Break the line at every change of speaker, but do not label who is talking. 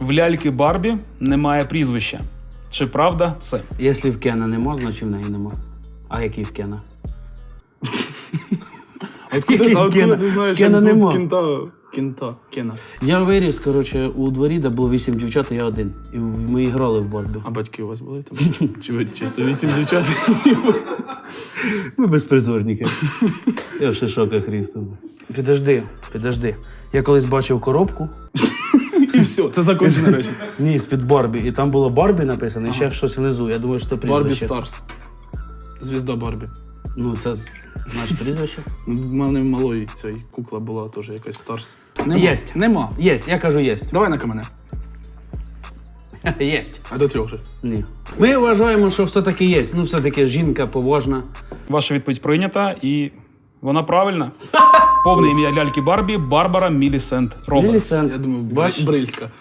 В ляльки Барбі немає прізвища. Чи правда це?
Якщо в Кена нема, значить в неї нема. А який в Кена?
Откуда ти знаєш, як
Кена
звуть
нема.
Кена?
Я виріс, коротше, у дворі, де було 8 дівчат, і я один. І ми грали в Барбі.
А батьки у вас були там? Чи ви чисто 8 дівчат?
Ми безпризорники. Я в шишоках рістом. Підожди. Я колись бачив коробку.
І все, це закончені речі.
Ні, з-під Барбі. І там було Барбі написано, і ще щось внизу. Я думаю, що це
Барбі
прізвище.
Старс. Звізда Барбі.
Ну, це наше прізвище.
У мене малої цей кукла була теж якась Старс.
Єсть.
Нема.
Єсть, я кажу єсть.
Давай на камене.
Єсть.
А до 3 вже.
Ні. Ми вважаємо, що все-таки є. Ну, все-таки жінка побожна.
Ваша відповідь прийнята і вона правильна. Повне ім'я ляльки Барбі – Барбара Мілісент Робертс.
Мілісент.
Я думаю,
Бач?
Брильська.